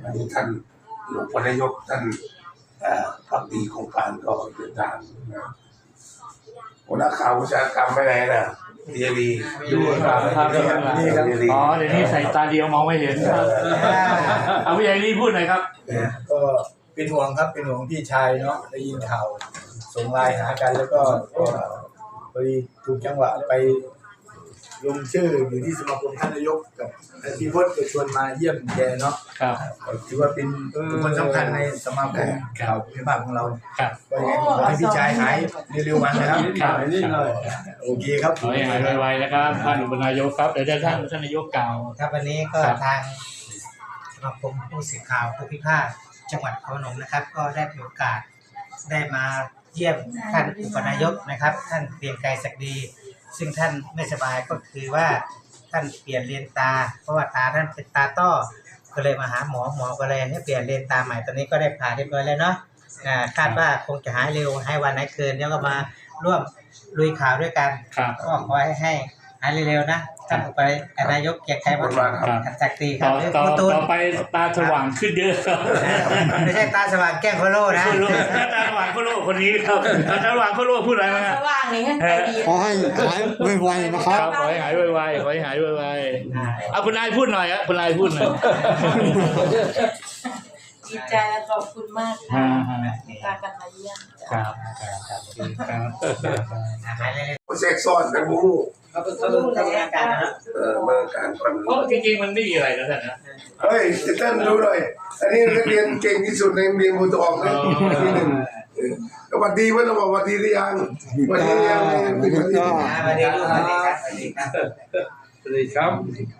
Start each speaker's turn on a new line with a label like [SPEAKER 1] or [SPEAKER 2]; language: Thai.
[SPEAKER 1] อันนี้ท่านหลวงพ่อนายกท่านพักดีโครงการก็เดินทางนะหัวหน้าข่าววิชาการไปไหนน่ะเดียรีดูครับ
[SPEAKER 2] อ๋อเดี๋ยวนี้ใส่ตาเดียวมองไม่เห็นครับเอาพี่ใหญ่รีพูดหน่อยครับ
[SPEAKER 3] ก็เป็นห่วงครับเป็นห่วงพี่ชายเนาะได้ยินข่าวส่งไลน์หากันแล้วก็พอดีถูกจังหวะไปลงชื่ออยู่ที่สมาคมท่านนายกกับพี่พจน์จะชวนมาเยี่ยมแกเนาะถือว่าเป็นคนสำคัญในสมาคมข่าวพิพากษ์ของเราก็ยังไงขอให้พี่ชายหายเร็วๆวันนะครับโอเคครับ
[SPEAKER 2] ขอให้หายไวๆนะครับท่านอุปนายกครับเดี๋ยวท่านนายกกล่าว
[SPEAKER 4] ครับวันนี้ก็ทางสมาคมผู้สื่อข่าวผู้พิพากษ์จังหวัดนครพนมนะครับก็ได้มีโอกาสได้มาเยี่ยมท่านอุปนายกนะครับท่านเกรียงไกรศักดิ์ดีซึ่งท่านไม่สบายก็คือว่าท่านเปลี่ยนเลนตาเพราะว่าตาท่านเป็นตาต้อก็เลยมาหาหมอก็เลยให้เปลี่ยนเลนตาใหม่ตอนนี้ก็ได้ผ่าเรียบร้อยแล้วเนาะคาดว่าคงจะหายเร็วให้วันไหนคืนแล้วก็มาร่วมลุยข่าวด้วยกันก็ขอให้หายเร็วๆนะท่านไปนายกเกียรติชัยวัฒน์ศักดิ์ดีครับ
[SPEAKER 2] ต่อไปตาสว่างขึ้นเยอะ
[SPEAKER 4] ไม่ใช่ตาสว่างแก้งโคโลนะ
[SPEAKER 2] ตาสว่างโคโลคนนี้ครับตาสว่างโคโลพูดอะไรมา
[SPEAKER 5] สว่างนี่ให้ดี
[SPEAKER 6] ขอให้หายไวๆนะครับ
[SPEAKER 2] ขอให้หายไวๆขอให้หายไวๆเอาคุณนายพูดหน่อยครับคุณนายพูดหน่อย
[SPEAKER 5] ดีใจและขอบคุณมากในการกันมาเยี่ยม
[SPEAKER 2] ครับ
[SPEAKER 1] เซ็กซ้อนกันบู
[SPEAKER 4] เขาต้องทำงานกันนะ
[SPEAKER 1] เมื่อการคน
[SPEAKER 2] เพราะจริงๆมันไม่มีอะไรนะท่านนะ
[SPEAKER 1] เฮ้ยท่านดูหน่อยอันนี้นักเรียนเก่งที่สุดในโรงเรียนบูตองนะที่หนึ่งสวัสดีว่าเราบอกสวัสดีหรือยังสวัสดีหรือยัง
[SPEAKER 4] สวัสดีครับสวัสดีครับ
[SPEAKER 3] สวัสดีครับ